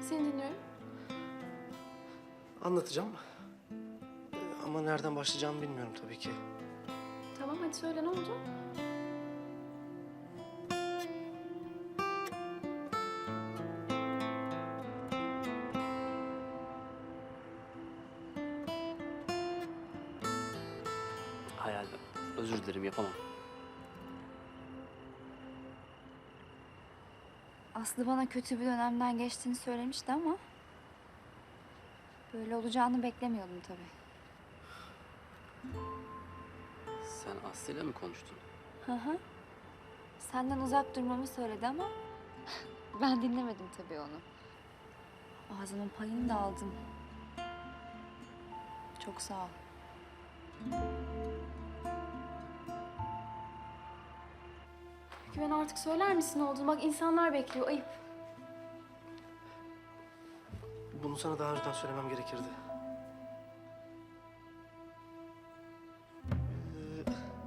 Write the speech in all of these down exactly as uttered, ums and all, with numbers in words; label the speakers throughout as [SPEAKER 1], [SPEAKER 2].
[SPEAKER 1] Seni dinliyorum.
[SPEAKER 2] Anlatacağım. Ee, Ama nereden başlayacağımı bilmiyorum tabii ki.
[SPEAKER 1] Tamam hadi söyle ne oldu?
[SPEAKER 3] Hayal, özür dilerim yapamam.
[SPEAKER 4] Aslı bana kötü bir dönemden geçtiğini söylemişti ama... böyle olacağını beklemiyordum tabii.
[SPEAKER 3] Sen Aslı'yla mı konuştun?
[SPEAKER 4] Hı hı. Senden uzak durmamı söyledi ama... ben dinlemedim tabii onu. Ağzımın payını da aldım. Çok sağ ol.
[SPEAKER 1] Güven artık söyler misin ne olduğunu? Bak insanlar bekliyor, ayıp.
[SPEAKER 2] Bunu sana daha önceden söylemem gerekirdi. Ee,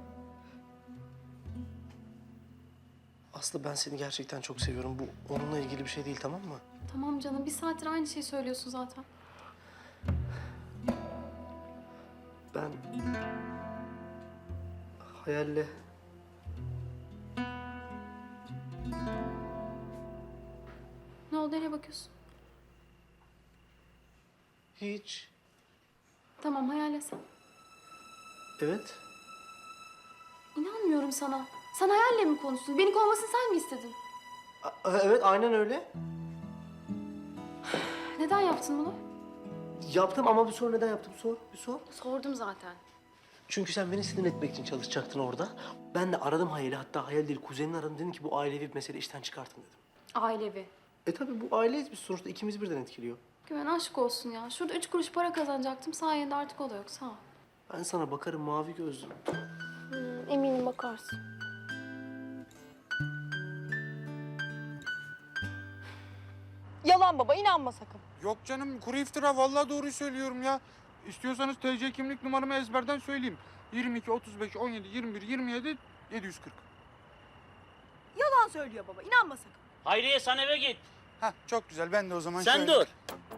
[SPEAKER 2] Aslı ben seni gerçekten çok seviyorum. Bu onunla ilgili bir şey değil, tamam mı?
[SPEAKER 1] Tamam canım, bir saattir aynı şeyi söylüyorsun zaten.
[SPEAKER 2] Ben... Hayalle...
[SPEAKER 1] Ne oldu, nereye bakıyorsun?
[SPEAKER 2] Hiç.
[SPEAKER 1] Tamam, hayal sen.
[SPEAKER 2] Evet.
[SPEAKER 1] İnanmıyorum sana. Sen hayalle mi konuştun? Beni kovmasını sen mi istedin?
[SPEAKER 2] A- evet, aynen öyle.
[SPEAKER 1] Neden yaptın bunu?
[SPEAKER 2] Yaptım ama bir sor, neden yaptım? Sor, bir sor.
[SPEAKER 1] Sordum zaten.
[SPEAKER 2] Çünkü sen beni sinir etmek için çalışacaktın orada. Ben de aradım Hayal'i, hatta Hayal değil kuzenini aradım. Dedim ki bu ailevi bir mesele, işten çıkartın dedim.
[SPEAKER 1] Ailevi.
[SPEAKER 2] E tabii bu aileyiz biz sonuçta, ikimizi birden etkiliyor.
[SPEAKER 1] Güven aşk olsun ya. Şurada üç kuruş para kazanacaktım. Sayende artık o da yok. Sağ ol.
[SPEAKER 2] Ben sana bakarım mavi gözlüm.
[SPEAKER 1] Hmm, eminim bakarsın.
[SPEAKER 5] Yalan baba, inanma sakın.
[SPEAKER 6] Yok canım, kuru iftira. Vallahi doğruyu söylüyorum ya. İstiyorsanız T C kimlik numaramı ezberden söyleyeyim. yirmi iki, otuz beş, on yedi, yirmi bir, yirmi yedi, yedi yüz kırk.
[SPEAKER 5] Yalan söylüyor baba, inanma sakın.
[SPEAKER 3] Hayriye sen eve git.
[SPEAKER 6] Hah, çok güzel. Ben de o zaman
[SPEAKER 3] Sen
[SPEAKER 6] şöyle...
[SPEAKER 3] dur.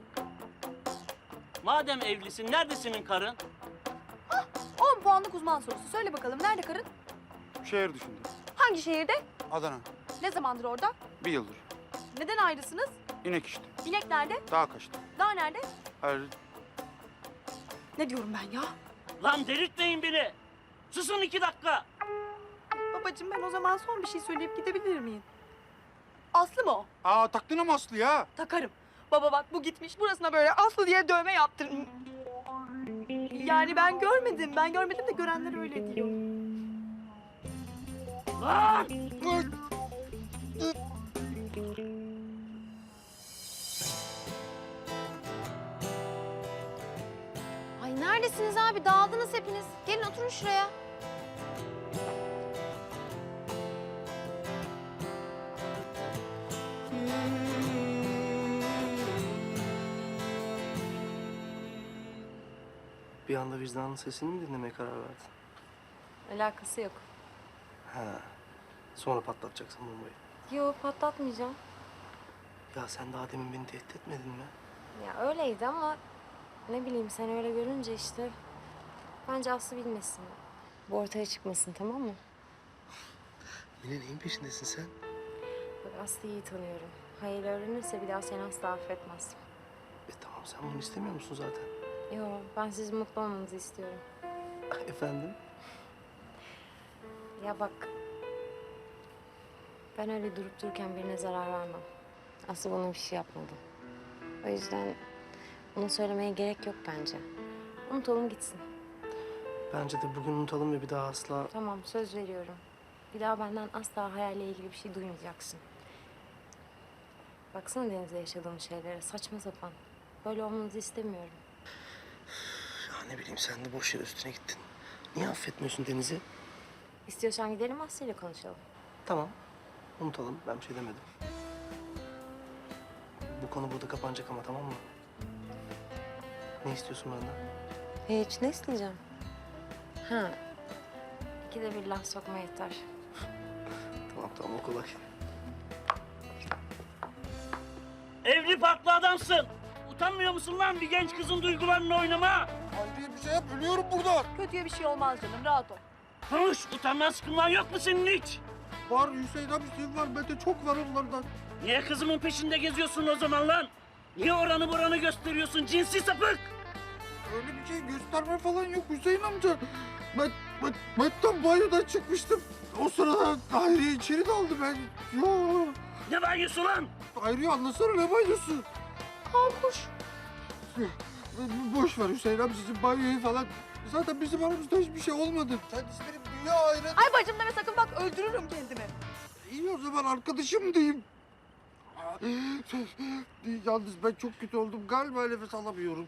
[SPEAKER 3] Madem evlisin, nerede senin karın?
[SPEAKER 5] on puanlık uzman sorusu. Söyle bakalım, nerede karın?
[SPEAKER 6] Şehir dışında.
[SPEAKER 5] Hangi şehirde?
[SPEAKER 6] Adana.
[SPEAKER 5] Ne zamandır orada?
[SPEAKER 6] Bir yıldır.
[SPEAKER 5] Neden ayrısınız?
[SPEAKER 6] İnek işte.
[SPEAKER 5] İnek nerede?
[SPEAKER 6] Daha kaçtı.
[SPEAKER 5] Dağ nerede?
[SPEAKER 6] Her...
[SPEAKER 5] Ne diyorum ben ya?
[SPEAKER 3] Lan delirtmeyin beni. Susun iki dakika.
[SPEAKER 5] Babacığım ben o zaman son bir şey söyleyip gidebilir miyim? Aslı mı o?
[SPEAKER 6] Aa, taktın ama Aslı ya.
[SPEAKER 5] Takarım. Baba bak bu gitmiş burasına böyle Aslı diye dövme yaptırmış. Yani ben görmedim. Ben görmedim de görenler öyle diyor.
[SPEAKER 3] Lan!
[SPEAKER 7] Ay neredesiniz abi? Dağıldınız hepiniz. Gelin oturun şuraya.
[SPEAKER 2] Bir anda vicdanın sesini mi dinlemeye karar verdin?
[SPEAKER 7] Alakası yok.
[SPEAKER 2] Ha. Sonra patlatacaksın bombayı.
[SPEAKER 7] Yok patlatmayacağım.
[SPEAKER 2] Ya sen daha demin beni tehdit etmedin mi?
[SPEAKER 7] Ya öyleydi ama ne bileyim sen öyle görünce işte. Bence Aslı bilmesin. Bu ortaya çıkmasın tamam mı?
[SPEAKER 2] Yine neyin peşindesin sen?
[SPEAKER 7] Bak Aslı'yı iyi tanıyorum. Hayır öğrenirse bir daha seni asla affetmez.
[SPEAKER 2] E tamam, sen bunu istemiyor musun zaten?
[SPEAKER 7] Yok ben sizin mutlu olmanızı istiyorum.
[SPEAKER 2] Efendim?
[SPEAKER 7] Ya bak ben öyle durup dururken birine zarar vermem. Aslı bana bir şey yapmadı. O yüzden ona söylemeye gerek yok bence. Unutalım gitsin.
[SPEAKER 2] Bence de bugün unutalım ve bir daha asla...
[SPEAKER 7] Tamam söz veriyorum. Bir daha benden asla hayalle ilgili bir şey duymayacaksın. Baksana Deniz'le yaşadığım şeylere saçma sapan. Böyle olmanızı istemiyorum.
[SPEAKER 2] Ya ne bileyim, sen de boş yere üstüne gittin. Niye affetmiyorsun Deniz'i?
[SPEAKER 7] İstiyorsan gidelim Aslı'yla konuşalım.
[SPEAKER 2] Tamam, unutalım. Ben bir şey demedim. Bu konu burada kapanacak ama, tamam mı? Ne istiyorsun benden?
[SPEAKER 7] Hiç ne isteyeceğim? Ha. İkide bir laf sokma yeter.
[SPEAKER 2] Tamam tamam, o kolay.
[SPEAKER 3] Evli farklı adamsın. Utanmıyor musun lan bir genç kızın duygularını oynama?
[SPEAKER 6] Hayriye bir şey yap, ölüyorum burada.
[SPEAKER 5] Kötüye bir şey olmaz canım, rahat ol.
[SPEAKER 3] Konuş, utanmaz sıkılman yok mu senin hiç?
[SPEAKER 6] Var Hüseyin amcası var, bende çok var onlardan.
[SPEAKER 3] Niye kızımın peşinde geziyorsun o zaman lan? Niye oranı buranı gösteriyorsun cinsi sapık?
[SPEAKER 6] Öyle bir şey gösterme falan yok Hüseyin amca. Ben, ben, ben tam banyodan çıkmıştım. O sırada Hayriye içeri daldı ben. Yo.
[SPEAKER 3] Ne banyosu lan?
[SPEAKER 6] Hayriye anlasana ne banyosu?
[SPEAKER 5] Hakuş.
[SPEAKER 6] Boş ver Hüseyin amcacığım banyoyu falan. Zaten bizim aramızda hiçbir şey olmadı. Kendisi benim dünya ayrı.
[SPEAKER 5] Ay bacım deme sakın bak, öldürürüm kendimi.
[SPEAKER 6] İyi o zaman arkadaşım diyeyim. Yalnız ben çok kötü oldum. Galiba nefes alamıyorum.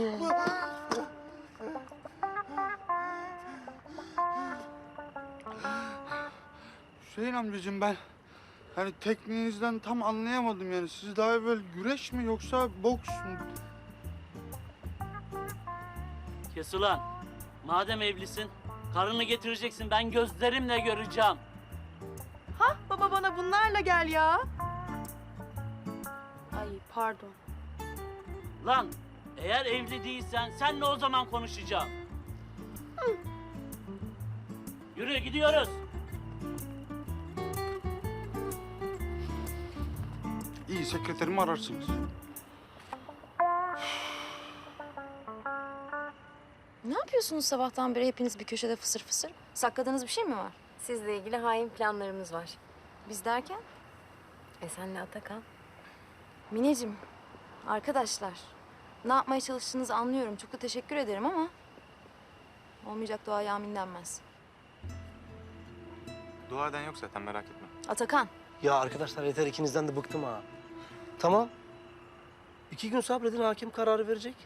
[SPEAKER 6] Hüseyin amcacığım ben hani tekniğinizden tam anlayamadım yani. Siz daha evvel güreş mi yoksa boks mu?
[SPEAKER 3] Kes ulan. Madem evlisin, karını getireceksin. Ben gözlerimle göreceğim.
[SPEAKER 5] Ha baba, bana bunlarla gel ya. Ay pardon.
[SPEAKER 3] Lan, eğer evli değilsen senle o zaman konuşacağım. Yürü gidiyoruz.
[SPEAKER 6] İyi sekreterimi ararsınız.
[SPEAKER 7] Ne yapıyorsunuz sabahtan beri hepiniz bir köşede fısır fısır? Sakladığınız bir şey mi var? Sizle ilgili hain planlarımız var. Biz derken? E senle Atakan. Mineciğim, arkadaşlar. Ne yapmaya çalıştığınızı anlıyorum. Çok da teşekkür ederim ama... olmayacak duaya amin denmez.
[SPEAKER 8] Dua eden yok zaten merak etme.
[SPEAKER 7] Atakan,
[SPEAKER 2] Ya arkadaşlar yeter, ikinizden de bıktım ha. Tamam. İki gün sabredin, hakim kararı verecek.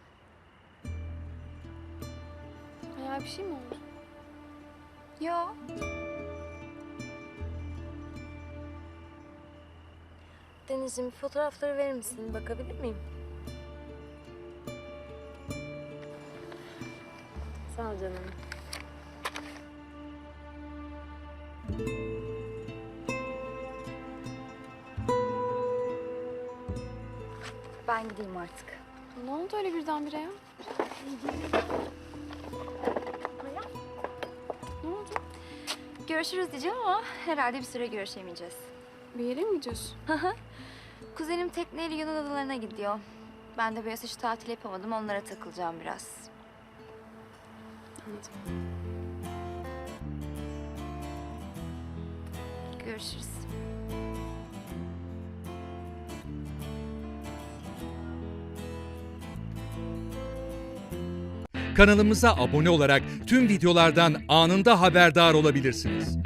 [SPEAKER 1] Hayal bir şey mi oldu?
[SPEAKER 7] yo. Denizciğim, fotoğrafları verir misin? Bakabilir miyim? Sağ ol canım. Ben gideyim artık.
[SPEAKER 1] Ne oldu öyle birdenbire ya? Ne oldu?
[SPEAKER 4] Görüşürüz diyeceğim ama herhalde bir süre görüşemeyeceğiz.
[SPEAKER 1] Bir yere mi gidiyorsun?
[SPEAKER 4] Kuzenim tekneyle Yunan adalarına gidiyor. Ben de bu yaz hiç tatil yapamadım. Onlara takılacağım biraz.
[SPEAKER 1] Anladım.
[SPEAKER 4] Görüşürüz.
[SPEAKER 9] Kanalımıza abone olarak tüm videolardan anında haberdar olabilirsiniz.